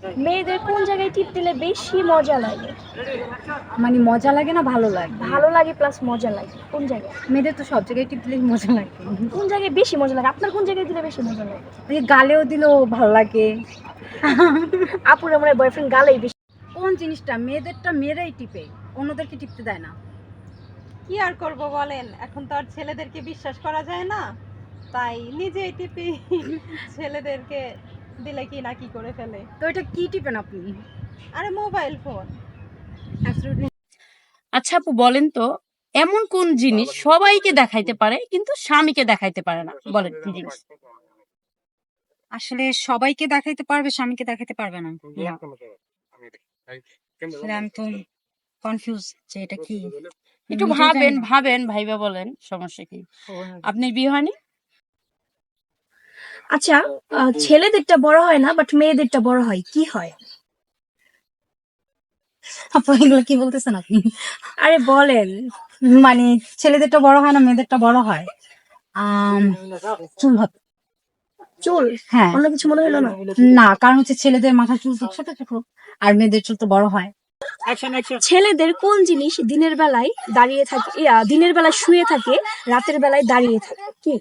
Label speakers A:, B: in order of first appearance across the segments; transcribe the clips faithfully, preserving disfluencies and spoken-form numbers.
A: মেয়েদের কোন জায়গায় টিপ দিলে বেশি মজা লাগে?
B: মানে মজা লাগে না ভালো লাগে?
A: ভালো লাগে প্লাস মজা লাগে। কোন জায়গায়?
B: মেয়েদের তো সব জায়গায় টিপ দিলেই মজা লাগে।
A: কোন জায়গায় বেশি মজা লাগে? আপনার কোন জায়গায় দিলে বেশি মজা লাগে?
B: এই যে গালেও দিলেও ভালো লাগে।
A: আপুর আমার বয়ফ্রেন্ড গালেই বেশি।
B: কোন জিনিসটা মেয়েদেরটা মেয়েরাই টিপে, অন্যদেরকে টিপতে দেয় না?
C: কি আর করব বলেন, এখন তো আর ছেলেদেরকে বিশ্বাস করা যায় না, তাই নিজেই টিপি। ছেলেদেরকে দিলে কি না কি করে ফেলে।
B: তো এটা কি টিপেন আপনি?
C: আরে মোবাইল ফোন।
D: আচ্ছা আপু বলেন তো, এমন কোন জিনিস সবাইকে দেখাইতে পারে কিন্তু স্বামীকে দেখাইতে পারে না? বলেন কি জিনিস?
B: আসলে সবাইকে দেখাইতে পারবে, স্বামীকে দেখাইতে পারবে না। আসলে আমি তো কনফিউজ যে এটা কি।
D: একটু
B: নিজেও
D: ভাবেন
B: জানি না।
D: ভাবেন ভাইবা বলেন, সমস্যা কি? আপনার বিয়ে হয়নি?
A: আচ্ছা, আহ, ছেলেদেরটা বড় হয় না বাট মেয়েদেরটা বড় হয়, কি হয়?
B: আপু এগুলো কি বলতেছেন আপনি?
A: আরে বলেন।
B: মানে ছেলেদেরটা বড় হয় না মেয়েদেরটা বড় হয়? আম, চুল হবে।
A: চুল?
B: হ্যাঁ।
A: অন্য কিছু মনে হলো না?
B: না, কারণ হচ্ছে ছেলেদের মাথার চুল তো ছোট ছোট, আর মেয়েদের চুল তো বড় হয়।
A: ছেলেদের কোন জিনিস দিনের বেলায় দাঁড়িয়ে থাকে, ইয়া, দিনের বেলায় শুয়ে থাকে, রাতের বেলায় দাঁড়িয়ে থাকে, কি?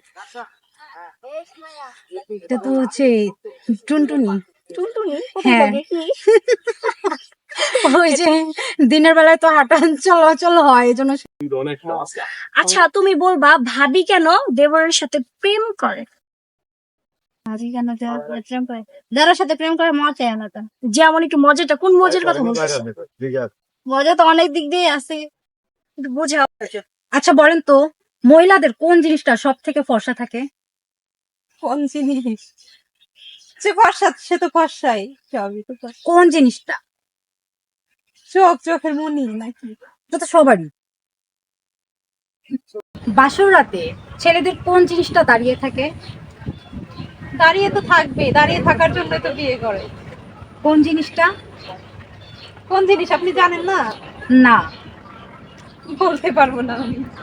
B: এটা তো হচ্ছে টুনটুনি।
A: টুনটুনি? কোথায়
B: হ্যাঁ।
A: থাকে কি?
B: ওই যে দিনের বেলায় তো হাঁটা চলাচল হয়, এই জন্য।
A: আচ্ছা, তুমি বলবা ভাবি কেন দেবরের সাথে প্রেম করে?
B: ভাবি কেন দেওয়ার পরে প্রেম করে? যারা সাথে প্রেম করে মজা না তো।
A: যেমন একটু মজাটা, কোন মজার কথা বলছিস?
B: মজা তো অনেক দিক দিয়ে আছে।
A: একটু বোঝাও।
B: আচ্ছা বলেন তো, মহিলাদের কোন জিনিসটা সব থেকে ফর্সা থাকে?
C: কোন জিনিস? সে ফর্সা, সে তো ফর্সাই, সবই তো ফর্সা।
B: কোন জিনিসটা?
C: চোখ, চোখের মনি নাকি?
B: এটা তো সবারই। বাসর রাতে ছেলেদের কোন জিনিসটা দাঁড়িয়ে থাকে?
C: দাঁড়িয়ে তো থাকবে, দাঁড়িয়ে থাকার জন্য তো বিয়ে করে।
B: কোন জিনিসটা?
C: কোন জিনিস আপনি জানেন না?
B: না।
C: বলতে পারবো না আমি।